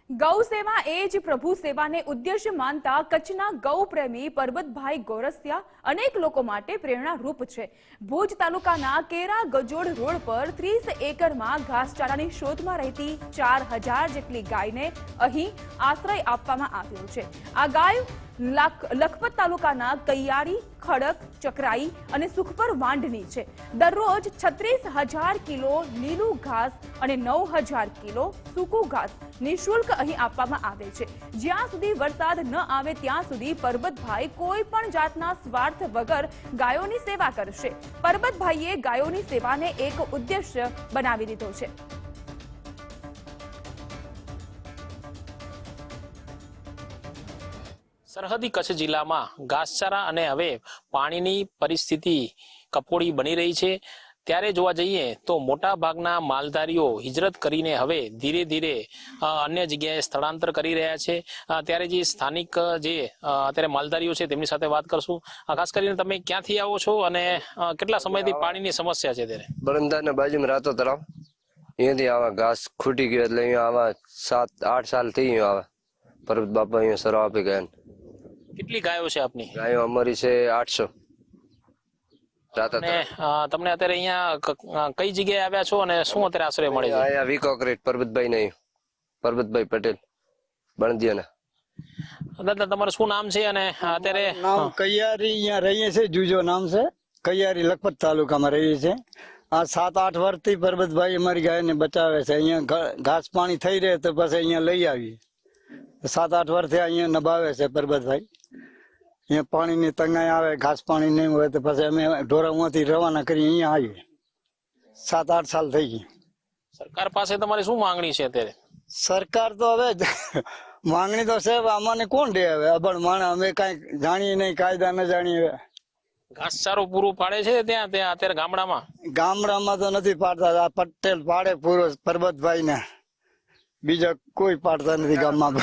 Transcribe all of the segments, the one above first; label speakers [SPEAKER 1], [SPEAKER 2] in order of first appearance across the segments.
[SPEAKER 1] ગૌ સેવા એ જ પ્રભુ સેવાને ઉદ્દેશ્ય માનતા કચ્છના ગૌ પ્રેમી પરબતભાઈ ગોરસિયા અનેક લોકો માટે પ્રેરણારૂપ છે। ભુજ તાલુકાના કેરા ગજોડ રોડ પર 30 એકરમાં ઘાસચારાની શોધમાં રહેતી 4000 જેટલી ગાયને અહીં આશ્રય આપવામાં આવ્યો છે। આ ગાય લખપત તાલુકાના કૈયારી, ખડક, ચકરાઈ અને સુખપર વાંઢની છે। દરરોજ 36,000 કિલો લીલું ઘાસ અને 9,000 કિલો સૂકું ઘાસ નિઃશુલ્ક અહીં આપવામાં આવે છે। જ્યાં સુધી વરસાદ ન આવે ત્યાં સુધી પરબતભાઈ કોઈ પણ જાતના સ્વાર્થ વગર ગાયોની સેવા કરશે। પરબતભાઈએ ગાયોની સેવાને એક ઉદ્દેશ્ય બનાવી દીધો છે।
[SPEAKER 2] સરહદી કચ્છ જિલ્લામાં ઘાસચારા અને હવે પાણીની પરિસ્થિતિ કફોડી બની રહી છે। ત્યારે જોવા જઈએ તો મોટા ભાગના માલધારીઓ હિજરત કરીને હવે ધીરે ધીરે અન્ય જગ્યાએ સ્થળાંતર કરી રહ્યા છે। ત્યારે જે સ્થાનિક જે અત્યારે માલધારીઓ છે તેમની સાથે વાત કરશું। ખાસ કરીને તમે ક્યાંથી આવો છો અને કેટલા સમયથી પાણીની સમસ્યા છે? ત્યારે
[SPEAKER 3] બરંદાના બાજુમાં રાતો તળાવ, અહીંયાથી આવા ઘાસ ખૂટી ગયો એટલે અહીંયા આવા 7-8 સાલ થઈ ગયું આવે। પરબત બાપા અહીંયા સરો આપી ગયા।
[SPEAKER 2] કેટલી ગાયો છે આપની?
[SPEAKER 3] ગાયો અમારી છે 800।
[SPEAKER 2] તમને અત્યારે અહીંયા કઈ જગ્યાએ આવ્યા છો અને શું અત્યારે આશ્રય મળે છે?
[SPEAKER 3] અહીંયા વિકોક્રેટ પરબતભાઈ નહીં, પરબતભાઈ પટેલ બણદિયાના।
[SPEAKER 2] દાદા તમારું શું નામ છે અને અત્યારે?
[SPEAKER 4] નામ કૈયારી, અહીંયા રહીએ છે, જુજો નામ છે, કૈયારી લખપત તાલુકામાં રહીએ છે। આ 7-8 વર્ષથી પરબતભાઈ અમારી ગાયને બચાવે છે। અહીંયા ઘાસ પાણી થઈ રહે તો પછી અહીંયા લઈ આવીએ। 7-8 વર્ષથી અહીંયા નભાવે છે પરબતભાઈ। અહીંયા પાણીની તંગાઈ આવે, ઘાસ પાણી નહીં હોય તો પછી અમે ઢોરામાંથી રવાના કરી અહીંયા આવીએ। 7-8 સાલ થઈ ગઈ।
[SPEAKER 2] સરકાર પાસે તમારી શું માંગણી છે અત્યારે?
[SPEAKER 4] સરકાર તો હવે માંગણી તો છે, અમને કોણ દે? હવે અભણ માણસ અમે કઈ જાણીએ નહીં, કાયદા ન જાણીએ।
[SPEAKER 2] ઘાસચારો પૂરું પાડે છે ત્યાં અત્યારે
[SPEAKER 4] ગામડામાં તો નથી પાડતા। આ પટેલ પાડે પૂરો પરબતભાઈ ને, બીજા કોઈ પાડતા નથી ગામમાં।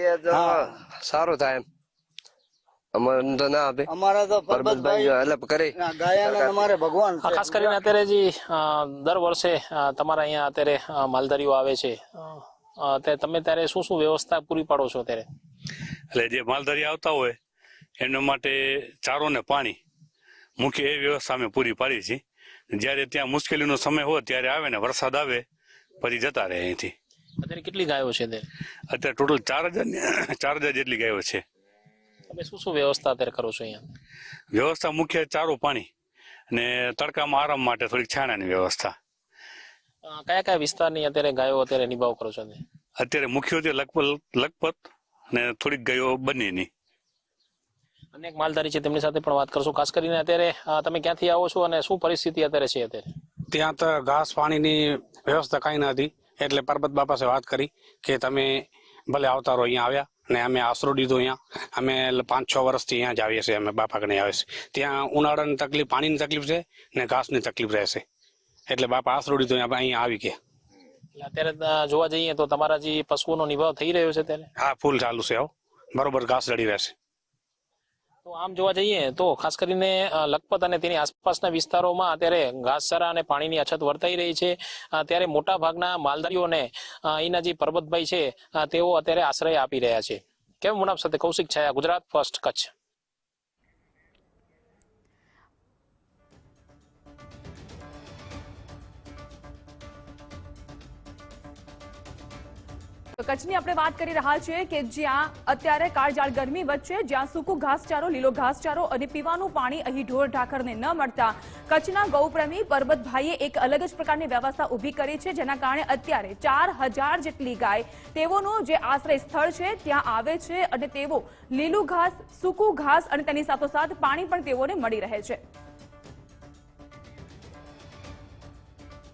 [SPEAKER 3] સારું થાય એમ, અમારે તો ના આપે।
[SPEAKER 4] અમારા તો પરબતભાઈ
[SPEAKER 3] હેલ્પ કરે
[SPEAKER 4] ગાયના અમારે ભગવાન છે।
[SPEAKER 2] ખાસ કરીને અત્યારે જે દર વર્ષે તમારા અહીંયા અત્યારે માલધારીઓ આવે છે, તમે ત્યારે શું શું વ્યવસ્થા પૂરી પાડો છો અત્યારે?
[SPEAKER 5] એટલે જે માલધારી આવતા હોય એમના માટે ચારો ને પાણી મુખ્ય એ વ્યવસ્થા અમે પૂરી પાડી છે। જયારે ત્યાં મુશ્કેલીનો સમય હોય ત્યારે આવે ને વરસાદ આવે પછી જતા રહે અહીંથી।
[SPEAKER 2] અત્યારે કેટલી ગાયો છે?
[SPEAKER 5] અત્યારે ટોટલ 4,000 જેટલી ગાયો છે।
[SPEAKER 2] તમે શું શું વ્યવસ્થા અત્યારે કરો છો અહીંયા?
[SPEAKER 5] વ્યવસ્થા મુખ્ય ચારો, પાણી અને તડકામાં આરામ માટે થોડીક છાણાની વ્યવસ્થા।
[SPEAKER 2] કયા કયા વિસ્તારની અત્યારે ગાયો અત્યારે નિભાવ કરો છો?
[SPEAKER 5] અત્યારે મુખ્ય લખપત અને થોડીક ગાયો બંનેની।
[SPEAKER 2] અનેક માલધારી છે તેમની સાથે પણ વાત કરશું। ખાસ કરીને અત્યારે તમે ક્યાંથી આવો છો અને શું પરિસ્થિતિ અત્યારે છે? અત્યારે
[SPEAKER 6] ત્યાં તો ઘાસ પાણીની વ્યવસ્થા કઈ નથી, એટલે પરબત બાપા સાથે વાત કરી કે તમે ભલે આવતા રહો। અહીંયા આવ્યા ને અમે આશરો દીધો। અહીંયા અમે 5-6 વર્ષથી અહીંયા જ આવીએ છીએ, અમે બાપા કને આવે છે। ત્યાં ઉનાળાની તકલીફ, પાણીની તકલીફ છે ને ઘાસની તકલીફ રહેશે, એટલે બાપા આશરો દીધો અહીંયા આવી ગયા।
[SPEAKER 2] અત્યારે જોવા જઈએ તો તમારા જે પશુઓનો નિભાવ થઈ રહ્યો છે ત્યારે?
[SPEAKER 6] હા, ફૂલ ચાલુ છે, બરોબર ઘાસ જડી રહેશે।
[SPEAKER 2] તો આમ જોવા જઈએ તો ખાસ કરીને લખપત અને તેની આસપાસના વિસ્તારોમાં અત્યારે ઘાસચારા અને પાણીની અછત વર્તાઈ રહી છે। ત્યારે મોટા ભાગના માલધારીઓને અહીંના જે પરબતભાઈ છે તેઓ અત્યારે આશ્રય આપી રહ્યા છે। કેમ મુનાફ સાથે કૌશિક છાયા, ગુજરાત ફર્સ્ટ, કચ્છ।
[SPEAKER 1] કચ્છની આપણે વાત કરી રહ્યા છીએ કે જ્યાં અત્યારે કાળઝાળ ગરમી વચ્ચે જ્યાં સૂકું ઘાસચારો, લીલો ઘાસચારો અને પીવાનું પાણી અહીં ઢોર ઢાખરને ન મળતા કચ્છના ગૌપ્રેમી પરબતભાઈએ એક અલગ જ પ્રકારની વ્યવસ્થા ઊભી કરી છે, જેના કારણે અત્યારે 4000 જેટલી ગાય તેઓનું જે આશ્રય સ્થળ છે ત્યાં આવે છે અને તેઓ લીલું ઘાસ, સૂકું ઘાસ અને તેની સાથોસાથ પાણી પણ તેઓને મળી રહે છે।